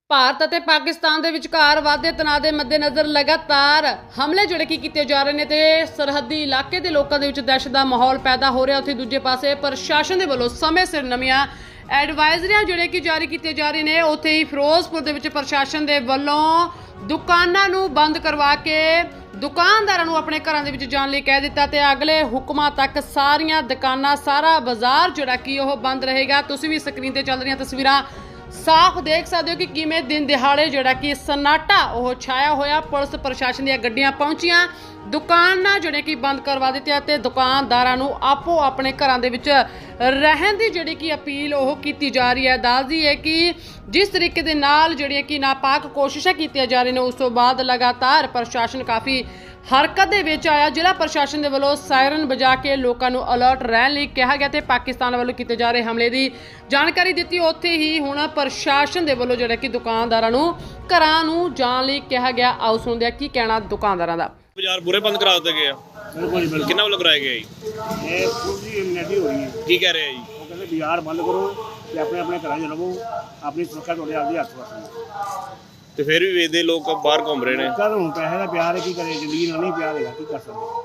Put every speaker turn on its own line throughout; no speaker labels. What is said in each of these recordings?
ਭਾਰਤ ਅਤੇ ਪਾਕਿਸਤਾਨ ਦੇ ਵਿਚਕਾਰ ਵਾਧੇ ਤਣਾਅ ਦੇ ਮੱਦੇਨਜ਼ਰ ਲਗਾਤਾਰ ਹਮਲੇ ਜਿਹੜੇ ਕੀਤੇ ਜਾ ਰਹੇ ਨੇ ਤੇ ਸਰਹੱਦੀ ਇਲਾਕੇ ਦੇ ਲੋਕਾਂ ਦੇ ਵਿੱਚ ਦਹਿਸ਼ਤ ਦਾ ਮਾਹੌਲ ਪੈਦਾ ਹੋ ਰਿਹਾ। ਉੱਥੇ ਦੂਜੇ ਪਾਸੇ ਪ੍ਰਸ਼ਾਸਨ ਦੇ ਵੱਲੋਂ ਸਮੇਂ ਸਿਰ ਨਵੀਆਂ ਐਡਵਾਈਜ਼ਰੀਆਂ ਜਿਹੜੇ ਕਿ ਜਾਰੀ ਕੀਤੀਆਂ ਜਾ ਰਹੀਆਂ ਨੇ। ਉੱਥੇ ਹੀ ਫਿਰੋਜ਼ਪੁਰ ਦੇ ਵਿੱਚ ਪ੍ਰਸ਼ਾਸਨ ਦੇ ਵੱਲੋਂ ਦੁਕਾਨਾਂ ਨੂੰ ਬੰਦ ਕਰਵਾ ਕੇ ਦੁਕਾਨਦਾਰਾਂ ਨੂੰ ਆਪਣੇ ਘਰਾਂ ਦੇ ਵਿੱਚ ਜਾਣ ਲਈ ਕਹਿ ਦਿੱਤਾ ਤੇ ਅਗਲੇ ਹੁਕਮਾਂ ਤੱਕ ਸਾਰੀਆਂ ਦੁਕਾਨਾਂ ਸਾਰਾ ਬਾਜ਼ਾਰ ਜਿਹੜਾ ਕਿ ਉਹ ਬੰਦ ਰਹੇਗਾ। ਤੁਸੀਂ ਵੀ ਸਕਰੀਨ ਤੇ ਚੱਲ ਰਹੀਆਂ ਤਸਵੀਰਾਂ ਸਾਫ਼ ਦੇਖ ਸਕਦੇ ਹੋ ਕਿ ਕਿਵੇਂ ਦਿਨ ਦਿਹਾੜੇ ਜਿਹੜਾ ਕਿ ਸन्नाटा ਉਹ ਛਾਇਆ ਹੋਇਆ। ਪੁਲਿਸ ਪ੍ਰਸ਼ਾਸਨ ਦੀਆਂ ਗੱਡੀਆਂ ਪਹੁੰਚੀਆਂ, ਦੁਕਾਨਾਂ ਜਿਹੜੇ ਕਿ ਬੰਦ ਕਰਵਾ ਦਿੱਤੀਆਂ ਤੇ ਦੁਕਾਨਦਾਰਾਂ ਨੂੰ ਆਪੋ ਆਪਣੇ ਘਰਾਂ ਦੇ ਵਿੱਚ ਰਹਿਣ ਦੀ ਜਿਹੜੀ ਕਿ ਅਪੀਲ ਉਹ ਕੀਤੀ ਜਾ ਰਹੀ ਹੈ। ਦੱਸਦੀ ਹੈ ਕਿ ਜਿਸ ਤਰੀਕੇ ਦੇ ਨਾਲ ਜਿਹੜੀਆਂ ਕਿ ਨਾਪਾਕ ਕੋਸ਼ਿਸ਼ਾਂ ਕੀਤੀਆਂ ਜਾ ਰਹੀਆਂ ਨੇ, ਉਸ ਤੋਂ ਬਾਅਦ ਲਗਾਤਾਰ ਪ੍ਰਸ਼ਾਸਨ ਕਾਫੀ ਹਰਕਤ ਦੇ ਵਿੱਚ ਆਇਆ। ਜ਼ਿਲ੍ਹਾ ਪ੍ਰਸ਼ਾਸਨ ਦੇ ਵੱਲੋਂ ਸਾਇਰਨ ਵਜਾ ਕੇ ਲੋਕਾਂ ਨੂੰ ਅਲਰਟ ਰਹਿਣ ਲਈ ਕਿਹਾ ਗਿਆ ਤੇ ਪਾਕਿਸਤਾਨ ਵੱਲੋਂ ਕੀਤੇ ਜਾ ਰਹੇ ਹਮਲੇ ਦੀ ਜਾਣਕਾਰੀ ਦਿੱਤੀ। ਉੱਥੇ ਹੀ ਹੁਣ ਪ੍ਰਸ਼ਾਸਨ ਦੇ ਵੱਲੋਂ ਜਿਹੜਾ ਕਿ ਦੁਕਾਨਦਾਰਾਂ ਨੂੰ ਘਰਾਂ ਨੂੰ ਜਾਣ ਲਈ ਕਿਹਾ ਗਿਆ। ਆਓ ਸੁਣਦੇ ਹਾਂ ਕੀ ਕਹਿਣਾ ਦੁਕਾਨਦਾਰਾਂ ਦਾ।
ਬਾਜ਼ਾਰ ਪੂਰੇ ਬੰਦ ਕਰਾ ਦਿੱਤੇ ਗਏ ਆ।
ਬਿਲਕੁਲ
ਕਿੰਨਾ ਵੱਲੋਂ ਕਰਾਇਆ ਗਿਆ ਜੀ?
ਇਹ ਪੂਰੀ ਇਮਿਊਨਿਟੀ ਹੋ ਰਹੀ ਹੈ।
ਕੀ ਕਹਿ ਰਹੇ ਆ ਜੀ?
ਉਹ ਕਹਿੰਦੇ ਬਾਜ਼ਾਰ ਬੰਦ ਕਰੋ ਤੇ ਆਪਣੇ ਆਪਣੇ ਘਰਾਂ 'ਚ ਰਹੋ, ਆਪਣੀ ਸੁਰੱਖਿਆ ਤੁਹਾਡੇ ਆਪਦੇ ਹੱਥ ਵਿੱਚ।
ਤੇ ਫਿਰ ਵੀ ਵੇਚਦੇ ਲੋਕ ਬਾਹਰ ਘੁੰਮ ਰਹੇ ਨੇ।
ਕਦ ਹੁਣ ਪੈਸੇ ਦਾ ਪਿਆਰ ਹੈ, ਕੀ ਕਰੇ, ਜ਼ਿੰਦਗੀ ਨਾਲ ਨਹੀਂ ਪਿਆਰ ਹੈਗਾ, ਕੀ ਕਰ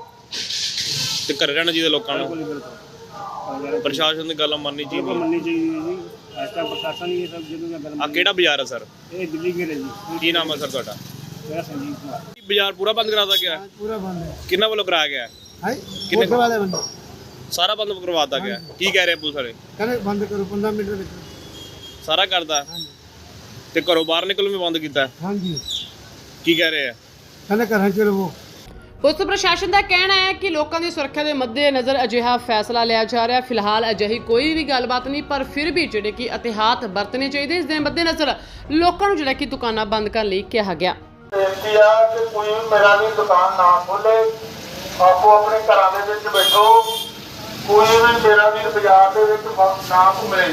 ਸਕਦੇ।
ਤੇ ਘਰੇ ਰਹਿਣਾ ਚਾਹੀਦਾ ਲੋਕਾਂ ਨੂੰ।
ਬਿਲਕੁਲ
ਪ੍ਰਸ਼ਾਸਨ ਦੀ ਗੱਲ ਮੰਨਣੀ ਚਾਹੀਦੀ
ਮੰਨਣੀ ਚਾਹੀਦੀ ਹੈ ਜੀ। ਇਸ ਤਰ੍ਹਾਂ ਪ੍ਰਸ਼ਾਸਨ ਹੀ ਇਹ ਸਭ ਜਿਹਨੂੰ ਗੱਲ
ਆ। ਕਿਹੜਾ ਬਾਜ਼ਾਰ ਹੈ ਸਰ?
ਇਹ ਦਿੱਲੀ ਗੇਟ ਹੈ ਜੀ।
ਕੀ ਨਾਮ ਹੈ ਸਰ ਤੁਹਾਡਾ?
ਮੇਰਾ ਸੰਜੀਵ ਕੁਮਾਰ।
ਬਾਜ਼ਾਰ ਪੂਰਾ ਬੰਦ ਕਰਾ ਦਿੱਤਾ ਗਿਆ?
ਪੂਰਾ ਬੰਦ ਹੈ।
ਕਿੰਨਾ ਵੱਲੋਂ ਕਰਾਇਆ ਗਿਆ?
ਹੈ
ਕਿੰਨੇ
ਵਾਲੇ ਬੰਦ
ਸਾਰਾ ਬੰਦ ਕਰਵਾ ਦਿੱਤਾ ਗਿਆ? ਕੀ ਕਹਿ ਰਹੇ ਪੁਲਿਸ ਵਾਲੇ?
ਕਹਿੰਦੇ ਬੰਦ ਕਰੋ 15 ਮਿੰਟ ਦੇ ਵਿੱਚ।
ਸਾਰਾ ਕਰਦਾ ਤੇ ਘਰੋਂ ਬਾਹਰ ਨਿਕਲਣ ਵੀ ਬੰਦ ਕੀਤਾ?
ਹਾਂਜੀ।
ਕੀ ਕਹਿ ਰਹੇ ਆ?
ਕਹਿੰਦੇ ਘਰਾਂ 'ਚ ਰਹੋ।
ਪੁਲਿਸ ਪ੍ਰਸ਼ਾਸਨ ਦਾ ਕਹਿਣਾ ਹੈ ਕਿ ਲੋਕਾਂ ਦੀ ਸੁਰੱਖਿਆ ਦੇ ਮੱਦੇਨਜ਼ਰ ਅਜਿਹਾ ਫੈਸਲਾ ਲਿਆ ਜਾ ਰਿਹਾ। ਫਿਲਹਾਲ ਅਜਿਹੀ ਕੋਈ ਵੀ ਗੱਲਬਾਤ ਨਹੀਂ, ਪਰ ਫਿਰ ਵੀ ਜਿਹੜੇ ਕਿ ਅਹਿਤਿਆਤ ਵਰਤਣੇ ਚਾਹੀਦੇ। ਇਸ ਦੇ ਮੱਦੇਨਜ਼ਰ ਲੋਕਾਂ ਨੂੰ ਜਿਹੜਾ ਕਿ ਦੁਕਾਨਾਂ ਬੰਦ ਕਰਨ ਲਈ ਕਿਹਾ ਗਿਆ।
ਬੇਨਤੀ ਆ ਕਿ ਕੋਈ ਮੇਰਾ ਵੀ ਦੁਕਾਨ ਨਾ ਖੋਲੇ, ਆਪੋ ਆਪਣੇ ਘਰਾਂ ਦੇ ਵਿੱਚ ਬੈਠੋ। ਕੋਈ ਵੀ ਮੇਰਾ ਵੀ ਬਾਜ਼ਾਰ ਦੇ ਵਿੱਚ ਨਾ ਘੁੰਮੇ,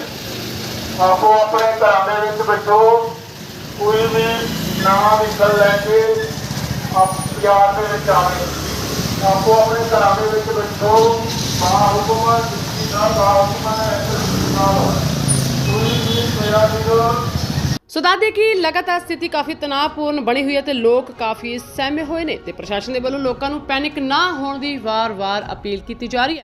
ਆਪੋ ਆਪਣੇ ਘਰਾਂ ਦੇ ਵਿੱਚ ਬੈਠੋ। ਕੋਈ ਵੀ ਨਵਾਂ ਵਹੀਕਲ ਲੈ ਕੇ ਬਾਜ਼ਾਰ ਦੇ ਵਿੱਚ ਆਵੇ, ਆਪੋ ਆਪਣੇ ਘਰਾਂ ਦੇ ਵਿੱਚ ਬੈਠੋ। ਹੁਕਮ ਕੋਈ ਵੀ ਮੇਰਾ ਵੀ।
ਸੋ ਦੱਸਦੇ ਕਿ ਲਗਾਤਾਰ ਸਥਿਤੀ ਕਾਫੀ ਤਣਾਅਪੂਰਨ ਬਣੀ ਹੋਈ ਹੈ ਤੇ ਲੋਕ ਕਾਫੀ ਸਹਿਮੇ ਹੋਏ ਨੇ ਤੇ ਪ੍ਰਸ਼ਾਸਨ ਦੇ ਵੱਲੋਂ ਲੋਕਾਂ ਨੂੰ ਪੈਨਿਕ ਨਾ ਹੋਣ ਦੀ ਵਾਰ-ਵਾਰ ਅਪੀਲ ਕੀਤੀ ਜਾ ਰਹੀ ਹੈ।